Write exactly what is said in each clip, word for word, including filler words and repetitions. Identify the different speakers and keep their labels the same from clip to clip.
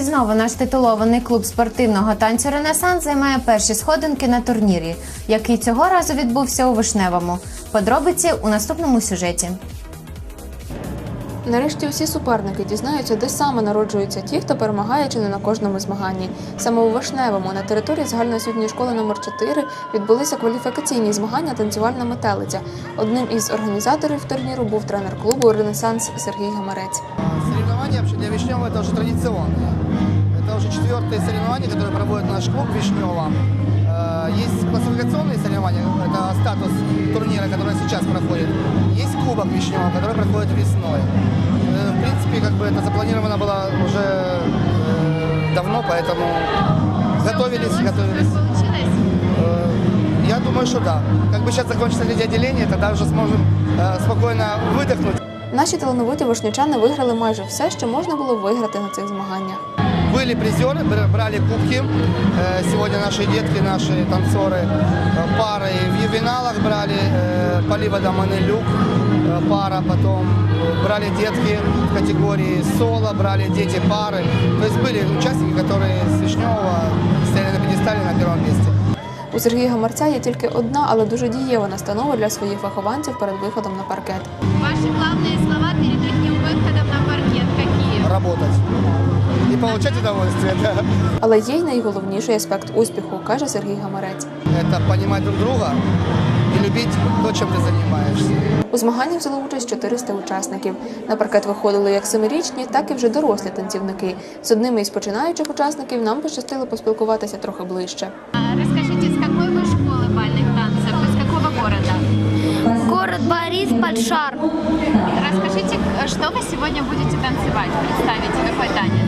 Speaker 1: знову наш титулований клуб спортивного танцю «Ренесанс» займає перші сходинки на турнірі, який цього разу відбувся у Вишневому. Подробиці у наступному сюжеті.
Speaker 2: Нарешті усі суперники дізнаються, де саме народжуються ті, хто перемагає чи не на кожному змаганні. Саме у Вишневому, на території загальноосвітньої школи номер чотири, відбулися кваліфікаційні змагання «Танцювальна метелиця». Одним із організаторів турніру був тренер клубу «Ренесанс» Сергій Гамарець.
Speaker 3: Соревнования для Вишневого – это уже традиционные. Это уже четвертые соревнования, которые проводит наш клуб Вишнева. Есть классификационные соревнования, это статус турнира, который сейчас проходит. Есть кубок Вишнева, который проходит весной. В принципе, как бы это запланировано было уже давно, поэтому готовились, готовились. Я думаю, что да. Как бы сейчас закончится третье отделение, тогда уже сможем спокойно выдохнуть.
Speaker 2: Наші талановиті вишнячани виграли майже все, що можна було виграти на цих змаганнях.
Speaker 3: Были призеры, брали кубки. Сегодня наши детки, наши танцоры пары в ювеналах брали. Поливода Манелюк пара, потом брали детки в категории соло, брали дети пары. То есть были участники, которые с Вишневого стояли на пьедестале на первом месте.
Speaker 2: У Сергія Гамарця є тільки одна, але дуже дієва настанова для своїх вихованців перед виходом на паркет.
Speaker 4: Ваши главные слова перед их выходом на паркет какие?
Speaker 3: Работать и получать удовольствие. Да.
Speaker 2: Але є й найголовніший аспект успіху, каже Сергій Гамарець.
Speaker 3: Это понимать друг друга и любить то, чем ты занимаешься.
Speaker 2: У змаганнях взяло участь чотириста учасників. На паркет виходили як семирічні, так і вже дорослі танцівники. З одними із починаючих учасників нам пощастило поспілкуватися трохи ближче.
Speaker 4: Расскажите, с какой вы школы бальных танцев, из какого города?
Speaker 5: Город Борис, Подшар.
Speaker 4: Расскажите, что вы сегодня будете танцевать? Представите, какой танец?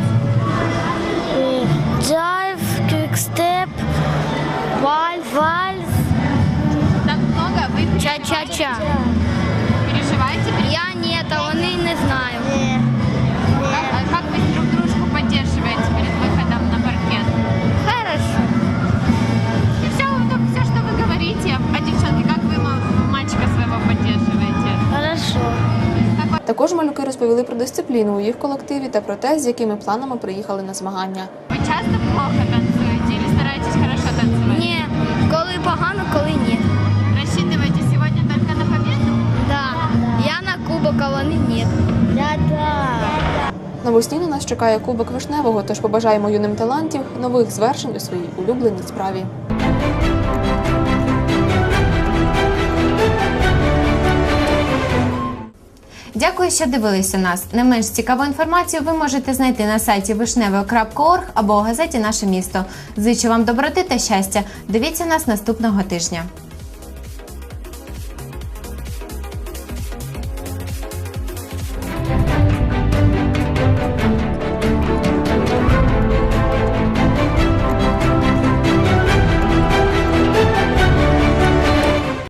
Speaker 5: Джайв, квикстеп, вальс, вальс,
Speaker 4: Так много? Вы
Speaker 5: ча-ча-ча.
Speaker 4: переживаете?
Speaker 5: Я нет, а вони не знаю.
Speaker 4: Как, а как вы друг дружку поддерживаете перед выходом на паркет?
Speaker 5: Хорошо.
Speaker 4: И все, все, что вы говорите, а девчонки, как вы мальчика своего поддерживаете?
Speaker 5: Хорошо.
Speaker 2: Також малюки розповіли про дисципліну у їх колективі та про те, з якими планами приїхали на змагання.
Speaker 4: Вы часто плохо танцуете или стараетесь хорошо танцевать?
Speaker 5: Ні, коли погано, коли ні.
Speaker 4: Рассчитываете сегодня только на победу?
Speaker 5: Да. Я на кубок, а вони ні. Да-да.
Speaker 2: Навесні на нас чекає Кубок Вишневого, тож побажаємо юним талантів нових звершень у своїй улюбленій справі.
Speaker 1: Дякую, що дивилися нас. Не менш цікаву інформацію ви можете знайти на сайті вишневе крапка орг або у газеті «Наше місто». Зичу вам доброти та щастя. Дивіться нас наступного тижня.